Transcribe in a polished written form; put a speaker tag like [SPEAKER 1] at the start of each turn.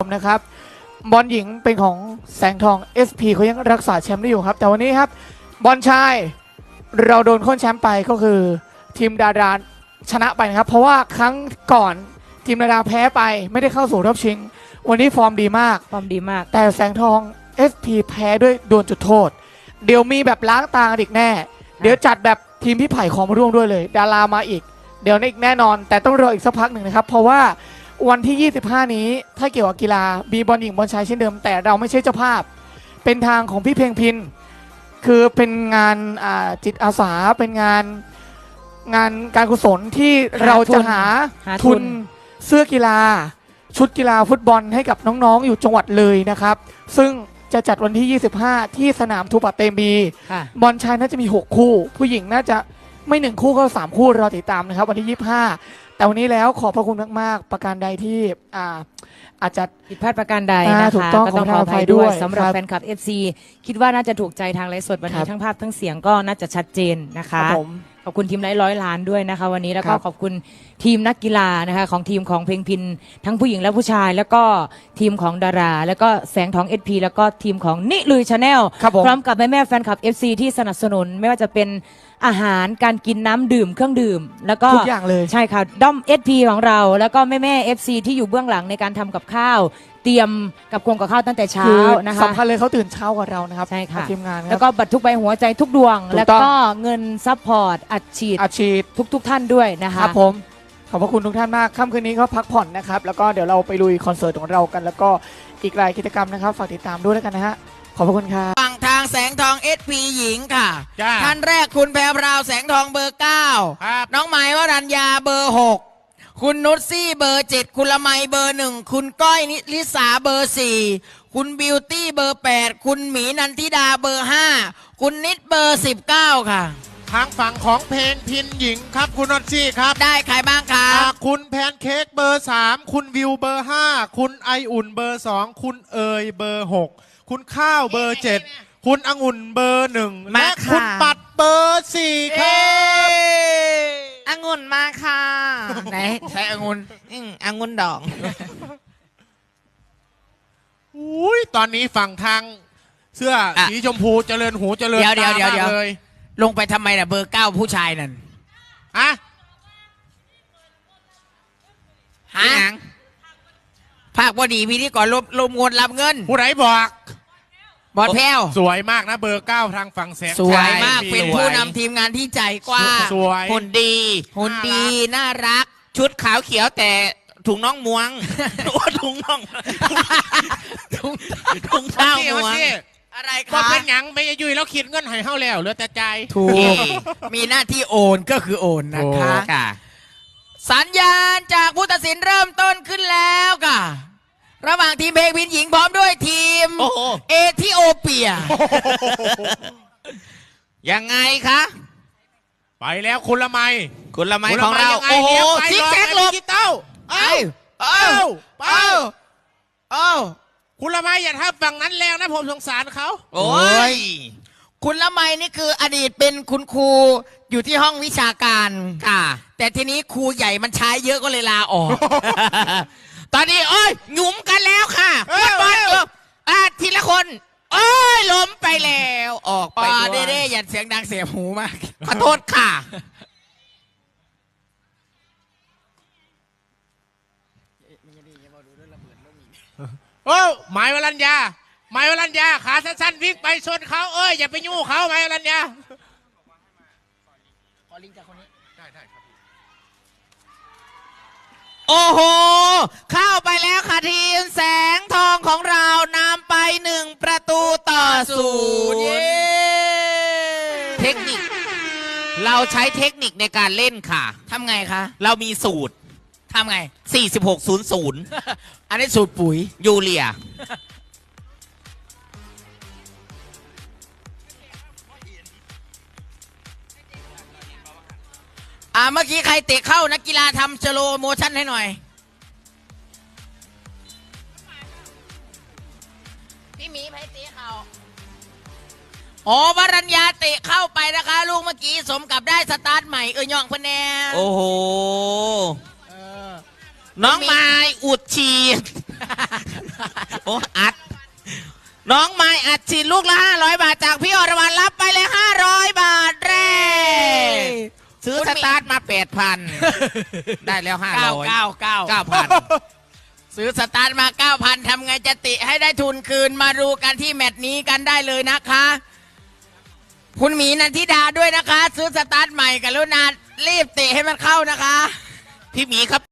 [SPEAKER 1] นะครับบอลหญิงเป็นของแสงทอง SP เขายังรักษาแชมป์ได้อยู่ครับแต่วันนี้ครับบอลชายเราโดนโค่นแชมป์ไปก็คือทีมดาราชนะไปนะครับเพราะว่าครั้งก่อนทีมดาราแพ้ไปไม่ได้เข้าสู่รอบชิงวันนี้ฟอร์มดีมากแต่แสงทอง SP แพ้ด้วยดวลจุดโทษเดี๋ยวมีแบบล้างตาอีกแน่เดี๋ยวจัดแบบทีมพี่ไผ่ของมาร่วมด้วยเลยดารามาอีกเดี๋ยวอีกแน่นอนแต่ต้องรออีกสักพักหนึ่งนะครับเพราะว่าวันที่ 25 นี้ถ้าเกี่ยวกับกีฬามีบอลหญิงบอลชายเช่นเดิมแต่เราไม่ใช่เจ้าภาพเป็นทางของพี่เพลงพินคือเป็นงานจิตอาสาเป็นงานการกุศลที่เราจะหาทุนเสื้อกีฬาชุดกีฬาฟุตบอลให้กับน้องๆอยู่จังหวัดเลยนะครับซึ่งจะจัดวันที่ 25 ที่สนามทูปะเตมีบอลชายน่าจะมี6คู่ผู้หญิงน่าจะไม่1คู่ก็3คู่รอติดตามนะครับวันที่ 25แต่วันนี้แล้วขอบพระคุณมากๆประการใดที่อาจจะ
[SPEAKER 2] ผิดพลาดประการใดนะคะก็ต้องขออภัยด้วยสำหรับแฟนคลับ FC คิดว่าน่าจะถูกใจทางไลฟ์สดวันนี้ทั้งภาพทั้งเสียงก็น่าจะชัดเจนนะคะขอบคุณทีมไลฟ์100 ล้านด้วยนะคะวันนี้แล้วก็ขอบคุณทีมนักกีฬานะคะของทีมของเพลงพินทั้งผู้หญิงและผู้ชายแล้วก็ทีมของดาราแล้วก็แสงทอง SP แล้วก็ทีมของนิลุยชาแนลพร้อมกับแม่ๆแฟนคลับ FC ที่สนับสนุนไม่ว่าจะเป็นอาหารการกินน้ำดื่มเครื่องดื่มแล้วก็
[SPEAKER 1] ทุกอย่างเลย
[SPEAKER 2] ใช่ค่ะด้อม SP ของเราแล้วก็แม่ FC ที่อยู่เบื้องหลังในการทำกับข้าวเตรียมกับข้าวตั้งแต่เช้านะคะ
[SPEAKER 1] สำคัญเลยเขาตื่นเช้ากว่าเรานะครับ
[SPEAKER 2] ใช่ค่ะ
[SPEAKER 1] ทีมงาน
[SPEAKER 2] แล้วก็บัตรทุกใบหัวใจทุกดวงแล้วก็เงินซัพพอร์ตอัดฉีดทุกท่านด้วยนะคะ
[SPEAKER 1] ครับผมขอบพระคุณทุกท่านมากค่ำคืนนี้ก็พักผ่อนนะครับแล้วก็เดี๋ยวเราไปลุยคอนเสิร์ตของเรากันแล้วก็อีกหลายกิจกรรมนะครับฝากติดตามด้วยแล้วกันนะฮะขอบพระคุณครับ
[SPEAKER 3] ฝั่งทางแสงทอง SP หญิงค่ะท่านแรกคุณแพรวพราวแสงทองเบอร์ 9น้องไหมวรัญญาเบอร์ 6คุณนุชซี่เบอร์ 7คุณละไมเบอร์ 1คุณก้อยนิลิสาเบอร์ 4คุณบิวตี้เบอร์ 8คุณหมีนันทิดาเบอร์ 5คุณนิดเบอร์ 19ค่ะ
[SPEAKER 4] ทางฝั่งของเพลงพินหญิงครับคุณนนท์ซี่ครับ
[SPEAKER 3] ได้ใครบ้างครับ
[SPEAKER 4] คุณแพนเค้กเบอร์ 3คุณวิวเบอร์ 5คุณไออุ่นเบอร์ 2คุณเอยเบอร์ 6คุณข้าวเบอร์ 7คุณองุ่นเบอร์ 1และคุณปัดเบอร์ 4ครับ
[SPEAKER 3] องุ่นมาค่ะไหนใช้องุ่นองุ่นดอง
[SPEAKER 4] อุ้ยตอนนี้ฝั่งทางเสื้อสีชมพูเจริญหูเจริญตามากเลย
[SPEAKER 3] ลงไปทำไมน่ะเบอร์ 9ผู้ชายนั่น
[SPEAKER 4] ฮะ
[SPEAKER 3] ภาคบดีพี่ที่ก่อนลมงนรับเงิน
[SPEAKER 4] ผู้ไหนบอก
[SPEAKER 3] บอดแพ้ว
[SPEAKER 4] สวยมากนะเบอร์ 9ทางฝั่งแสง
[SPEAKER 3] สวยมากเป็นผู้นำทีมงานที่ใจกว้าง
[SPEAKER 4] หุ่นดี
[SPEAKER 3] น่ารักชุดขาวเขียวแต่ถุงน่องม้วงถุงน่องถุงเท้าม้วงอะไรครับ
[SPEAKER 4] ก็เป็นหยังไม่ยุ่ยแล้วคิดเงินให้เฮาแล้วเหลือแต่ใจ
[SPEAKER 3] ถูกมีหน้าที่โอนก็คือโอนนะคะสัญญาณจากผู้ตัดสินเริ่มต้นขึ้นแล้วค่ะระหว่างทีมเพลงพินหญิงพร้อมด้วยทีมเอธิโอเปียยังไงคะ
[SPEAKER 4] ไปแล้วคุณละไม
[SPEAKER 3] ของเราโอ้โหซิกแซกหลบ
[SPEAKER 4] คุณละไมอย่าทำฝั่งนั้นแล้วนะผมสงสารเขา
[SPEAKER 3] โอ้ยคุณละไมนี่คืออดีตเป็นคุณครูอยู่ที่ห้องวิชาการค่ะแต่ทีนี้ครูใหญ่มันใช้เยอะก็เลยลาออกตอนนี้หยุมกันแล้วค่ะบอลทีละคนล้มไปแล้วออกไปเด้อย่าเสียงดังเสียหูมากขอโทษค่ะ
[SPEAKER 4] หมายวรัญญาขาสั้นๆวิ่งไปชนเขาอย่าไปยุ่งเขาหมายวรัญญา
[SPEAKER 3] ขอลิงก์จากคนนี้ได้ครับโอ้โหเข้าไปแล้วค่ะทีมแสงทองของเรานำไป1-0เทคนิคเราใช้เทคนิคในการเล่นค่ะทำไงคะเรามีสูตรทำไง4600อันนี้สูตรปุ๋ยยูเรียเมื่อกี้ใครเตะเข้านักกีฬาทำสโลโมชั่นให้หน่อยพี่หมีไปเตะเข้าวรัญญาเตะเข้าไปนะคะลูกเมื่อกี้สมกับได้สตาร์ทใหม่ย่องพะแนนโอ้โหน้องไม้อุดฉีดโอ้อัด น้องไม้อัดฉีดลูกละ500 บาทจากพี่อรวรรณรับไปเลย500 บาทแรกซื้อสตาร์ทมา 8,000 ได้แล้ว9,000 ซื้อสตาร์ทมา 9,000 ทำไงจะติให้ได้ทุนคืนมาดูกันที่แมตช์นี้กันได้เลยนะคะ คุณหมีนันทิดาด้วยนะคะ ซื้อสตาร์ทใหม่กับลุนารีบเตะให้มันเข้านะคะ พี่หมีครับ